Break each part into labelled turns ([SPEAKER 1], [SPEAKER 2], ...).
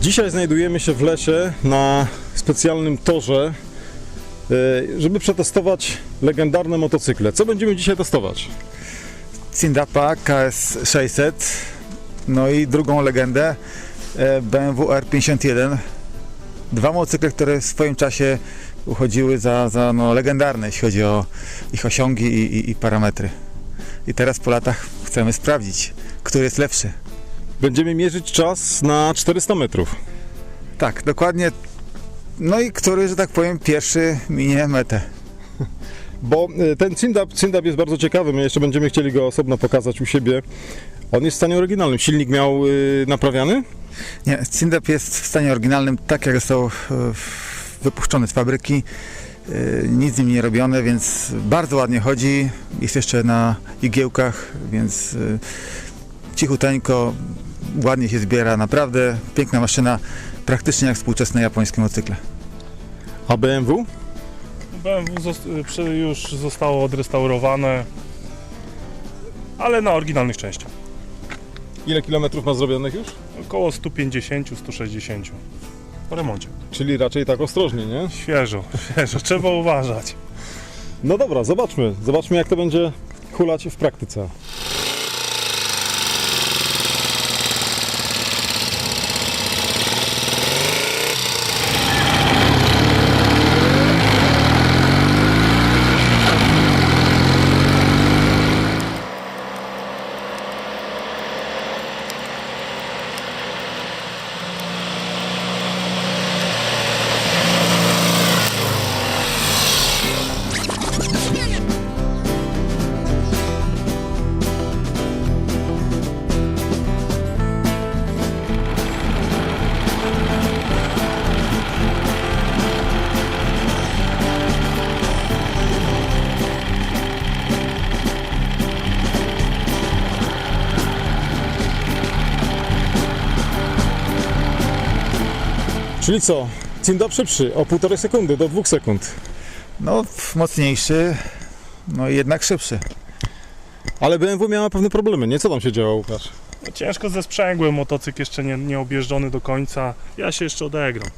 [SPEAKER 1] Dzisiaj znajdujemy się w lesie na specjalnym torze, żeby przetestować legendarne motocykle. Co będziemy dzisiaj testować?
[SPEAKER 2] Cindapa KS 600, no i drugą legendę BMW R51. Dwa motocykle, które w swoim czasie uchodziły za legendarne, jeśli chodzi o ich osiągi i parametry. I teraz po latach chcemy sprawdzić, który jest lepszy.
[SPEAKER 1] Będziemy mierzyć czas na 400 metrów.
[SPEAKER 2] Tak, dokładnie. No i który, że tak powiem, pierwszy minie metę.
[SPEAKER 1] Bo ten Cindap jest bardzo ciekawy, my jeszcze będziemy chcieli go osobno pokazać u siebie. On jest w stanie oryginalnym. Silnik miał naprawiany?
[SPEAKER 2] Nie, Cindap jest w stanie oryginalnym, tak jak został wypuszczony z fabryki. Nic z nim nie robione, więc bardzo ładnie chodzi. Jest jeszcze na igiełkach, więc cichuteńko, ładnie się zbiera. Naprawdę piękna maszyna, praktycznie jak współczesne japońskie motocykle.
[SPEAKER 1] A BMW?
[SPEAKER 3] BMW już zostało odrestaurowane, ale na oryginalnych częściach.
[SPEAKER 1] Ile kilometrów ma zrobionych już?
[SPEAKER 3] Około 150-160 po remoncie.
[SPEAKER 1] Czyli raczej tak ostrożnie, nie?
[SPEAKER 3] Świeżo, trzeba uważać.
[SPEAKER 1] No dobra, zobaczmy jak to będzie hulać w praktyce. Czyli co? Cindap szybszy o 1,5 sekundy do 2 sekund.
[SPEAKER 2] No, mocniejszy, no i jednak szybszy.
[SPEAKER 1] Ale BMW miała pewne problemy, nie? Co tam się działo, Łukasz?
[SPEAKER 3] No, ciężko ze sprzęgłem, motocykl jeszcze nie objeżdżony do końca. Ja się jeszcze odegram.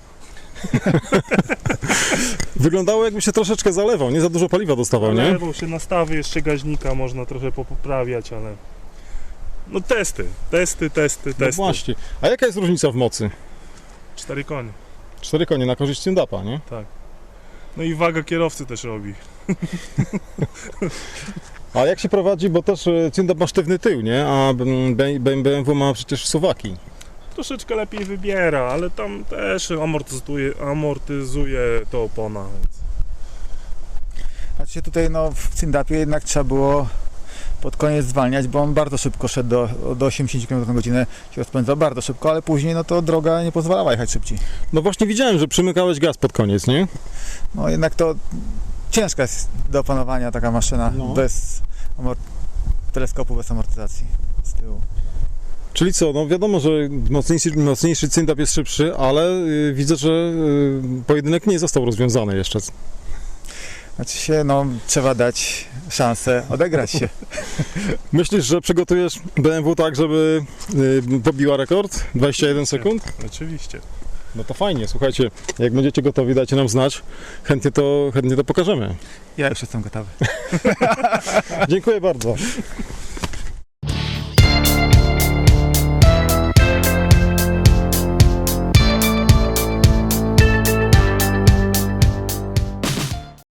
[SPEAKER 1] Wyglądało, jakby się troszeczkę zalewał, nie za dużo paliwa dostawał, nie?
[SPEAKER 3] Lewał się nastawy jeszcze gaźnika, można trochę poprawiać, ale... No testy.
[SPEAKER 1] No właśnie. A jaka jest różnica w mocy?
[SPEAKER 3] 4 konie.
[SPEAKER 1] 4 konie na korzyść Cindapa, nie?
[SPEAKER 3] Tak. No i waga kierowcy też robi.
[SPEAKER 1] A jak się prowadzi, bo też Cindap ma sztywny tył, nie? A BMW ma przecież suwaki.
[SPEAKER 3] Troszeczkę lepiej wybiera, ale tam też amortyzuje to opona. Więc...
[SPEAKER 2] Znaczy tutaj w Cindapie jednak trzeba było pod koniec zwalniać, bo on bardzo szybko szedł do 80 km na godzinę, się rozpędzał bardzo szybko, ale później to droga nie pozwalała jechać szybciej.
[SPEAKER 1] No właśnie widziałem, że przymykałeś gaz pod koniec, nie?
[SPEAKER 2] No jednak to ciężka jest do opanowania taka maszyna, bez teleskopu, bez amortyzacji z tyłu.
[SPEAKER 1] Czyli co, no wiadomo, że mocniejszy Cindap jest szybszy, ale widzę, że pojedynek nie został rozwiązany jeszcze.
[SPEAKER 2] Znaczy się, trzeba dać szansę odegrać się.
[SPEAKER 1] Myślisz, że przygotujesz BMW tak, żeby pobiła rekord? 21 sekund?
[SPEAKER 3] Oczywiście.
[SPEAKER 1] No to fajnie, słuchajcie, jak będziecie gotowi, dajcie nam znać, chętnie to pokażemy.
[SPEAKER 2] Ja już jestem gotowy.
[SPEAKER 1] Dziękuję bardzo.